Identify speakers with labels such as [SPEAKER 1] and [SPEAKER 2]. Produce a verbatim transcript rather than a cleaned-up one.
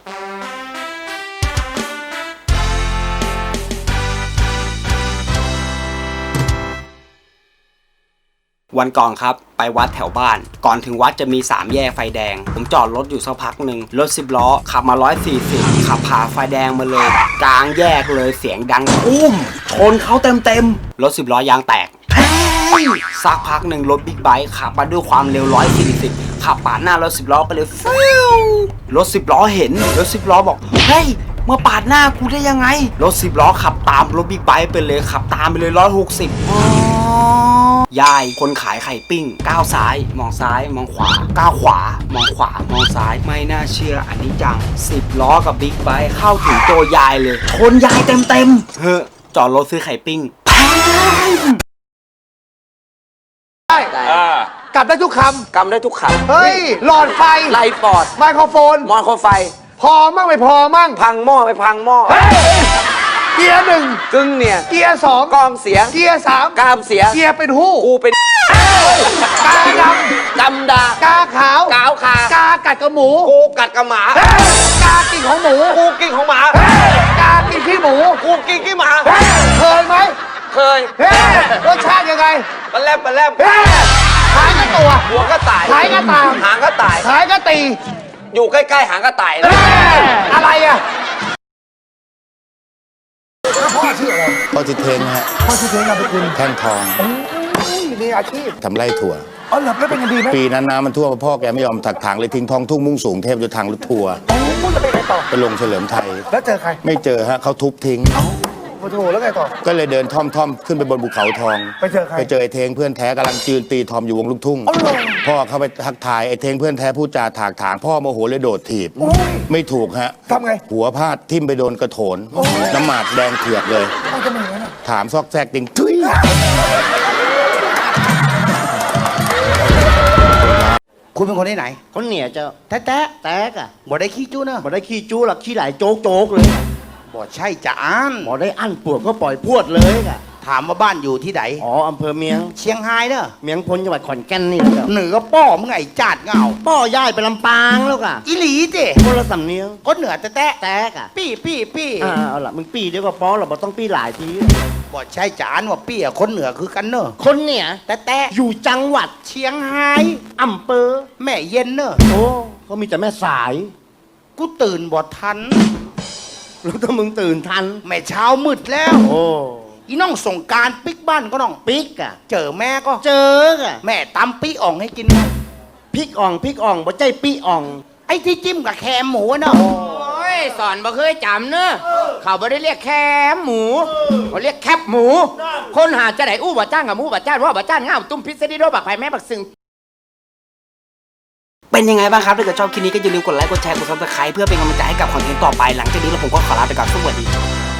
[SPEAKER 1] วันก่อนครับไปวัดแถวบ้านก่อนถึงวัดจะมีสามแยกไฟแดงผมจอดรถอยู่สักพักหนึ่งรถสิบล้อขับมาร้อยสี่สิบขับผ่าไฟแดงมาเลยกลางแยกเลยเสียงดังอุ้มชนเขาเต็มเต็มรถสิบล้อยางแตกสักพักหนึ่งรถบิ๊กไบค์ขับมาด้วยความเร็วร้อยสี่สิบขับปาดหน้ารถสิบล้อไปเลยฟิวรถสิบล้อเห็นรถสิบล้อบอกเฮ้ยมาปาดหน้ากูได้ยังไงรถสิบล้อขับตามรถบิ๊กไบค์ไปเลยขับตามไปเลยร้อยหกสิบยายคนขายไข่ปิ้งก้าวซ้ายมองซ้ายมองขวาก้าวขวามองขวามองซ้ายไม่น่าเชื่ออันนี้จังสิบล้อกับบิ๊กไบค์เข้าถึงตัวยายเลยชนยายเต็มเต็มเฮ้อจอดรถซื้อไข่ปิ้ง
[SPEAKER 2] ได้กลับได้ทุกคำ
[SPEAKER 3] กำได้ทุกคำ
[SPEAKER 2] เฮ้ยหลอดไฟ
[SPEAKER 3] ไลปอด
[SPEAKER 2] ไมโครโฟน
[SPEAKER 3] มอโครไฟ
[SPEAKER 2] พอมั่งไม่พอมั่ง
[SPEAKER 3] พังหม้อไปพังหม้อ
[SPEAKER 2] เกียร์หนึ่ง
[SPEAKER 3] กึ่งเนี่ย
[SPEAKER 2] เกียร์สอง
[SPEAKER 3] กองเสียง
[SPEAKER 2] เกียร์สาม
[SPEAKER 3] กามเสีย
[SPEAKER 2] เกียร์เป็นหู้
[SPEAKER 3] กูเป็น
[SPEAKER 2] กาด
[SPEAKER 3] ำดำดาก
[SPEAKER 2] าขาว
[SPEAKER 3] กาวขาก
[SPEAKER 2] ากัดกับหมู
[SPEAKER 3] กูกัดกับหมาก
[SPEAKER 2] ากินของหมู
[SPEAKER 3] กูกินของหมาก
[SPEAKER 2] ากินขี้หมู
[SPEAKER 3] กูกินขี้หมา
[SPEAKER 2] เคยไหม
[SPEAKER 3] เคย
[SPEAKER 2] รสชาติยังไง
[SPEAKER 3] ปลาแลบปลาแลบ
[SPEAKER 2] ขายก็ตัว
[SPEAKER 3] หัวก็ตาย
[SPEAKER 2] ขายก็ตาม
[SPEAKER 3] หางก็ตาย
[SPEAKER 2] ขายก็ตี
[SPEAKER 3] อยู่ใกล้ๆหางก็ตาย
[SPEAKER 2] อะไรอ่ะ
[SPEAKER 4] พ่อชื่ออะไรพ่อชื่อเทงฮะ
[SPEAKER 2] พ่อชื่อเทงนามสกุล
[SPEAKER 4] แท่งทอง
[SPEAKER 2] มีอาชีพ
[SPEAKER 4] ทำไร่ถั่ว
[SPEAKER 2] อ๋อหลับแล้วเป็นยังดีไหม
[SPEAKER 4] ปีนั้นน้ำมันท่วมพ่อแกไม่ยอมถักถางเลยทิ้งท้องทุ่งมุ่งสูงเทพจนทางรถทัวร์
[SPEAKER 2] อ๋อแล้วไปไหนต่อ
[SPEAKER 4] ไปลงเฉลิมไทย
[SPEAKER 2] แล้วเจอใคร
[SPEAKER 4] ไม่เจอฮะเขาทุบทิ้ง
[SPEAKER 2] โอ้โหแล้วไงต่อ
[SPEAKER 4] ก็เลยเดินท่อมท่อมขึ้นไปบนภูเขาทอง
[SPEAKER 2] ไปเจอใคร
[SPEAKER 4] ไปเจอไอ้เทงเพื่อนแท้กำลังยืนตีทอมอยู่วงลูกทุ่งพ่อเข้าไปทักทายไอ้เทงเพื่อนแท้พูดจาถากถางพ่อโมโหเลยโดดถีบไม่ถูกฮะ
[SPEAKER 2] ทำไง
[SPEAKER 4] หัวพลาดทิ่มไปโดนกระโถนน้ำหมากแดงเถือกเลยถามซอกแซกติงทุย
[SPEAKER 5] คุณเป็นคนที่ไหน
[SPEAKER 3] คนเหนียเจ้า
[SPEAKER 5] แต๊ะแต๊ะแต๊กอะ
[SPEAKER 3] บ่ได้ขี้จู้เนอะ
[SPEAKER 5] บ่ได้ขี้จู้หรอกขี้ไหลโจ๊กโจ๊กเลยบ่ใช่จะอ่านบ่ได้อั้นปวดก็ปล่อยพวดเลยอะถามว่าบ้านอยู่ที่ไหน
[SPEAKER 3] อ๋ออำเภอเมียง
[SPEAKER 5] เชียงไฮ้เนอะ
[SPEAKER 3] เมียงพลจังหวัดขอนแก่นนี่
[SPEAKER 5] เหนือป้อมึงไงจัดเงา
[SPEAKER 3] ป้อย่ายไปลำปางแล้วกะ
[SPEAKER 5] อีหลีเจ้
[SPEAKER 3] คนละสำเนียง
[SPEAKER 5] คนเหนือแต๊ะแต๊ะ
[SPEAKER 3] แต๊กอะ
[SPEAKER 5] ปี้ปี้ปี้
[SPEAKER 3] อ่าเอาล่ะมึงปี้เดี๋ยวก็ป้อเราบ่ต้องปี้หลายที
[SPEAKER 5] บ่ใช่จะอ่านว่าปี้อะคนเหนือคือกันเนอะ
[SPEAKER 3] คนเหนีย
[SPEAKER 5] แต๊ะแต๊ะ
[SPEAKER 3] อยู่จังหวัด
[SPEAKER 5] เชียงไฮ้
[SPEAKER 3] อำเภอ
[SPEAKER 5] แม่เย็นเนอะ
[SPEAKER 3] โอ้เขามีแต่แม่สาย
[SPEAKER 5] กูตื่นบ่ทัน
[SPEAKER 3] แล้วถ้ามึงตื่นทัน
[SPEAKER 5] แม่เช้ามืดแล้ว
[SPEAKER 3] โอ้
[SPEAKER 5] อีน้องส่งการปิกบ้านก็น้อง
[SPEAKER 3] ปิกอะ
[SPEAKER 5] เจอแม่ก็
[SPEAKER 3] เจออะ
[SPEAKER 5] แม่ตำปิอ่องให้กิน
[SPEAKER 3] พริกอ่องพริกอ่องบ่ใจปีอ่อง
[SPEAKER 5] ไอ้ที่จิ้มกับแคมหมูเนาะ
[SPEAKER 3] โอ้ยสอนบ่เคยจำเนอะเขาบ่ได้เรียกแคมหมูเขาเรียกแคบหมูคนหาจะไหนอู้บ่จ้างกับหมูบ่จ้างว่าบ่จ้างง่าวตุ้มพิษดิโดบักไผ่แม่บักซึง
[SPEAKER 1] เป็นยังไงบ้างครับถ้าเกิดชอบคลิปนี้ก็อย่าลืมกดไลค์กดแชร์กดซับสไครป์เพื่อเป็นกำลังใจให้กับคอนเทนต์ต่อไปหลังจากนี้เราผมก็ขอลาไปก่อนสวัสดี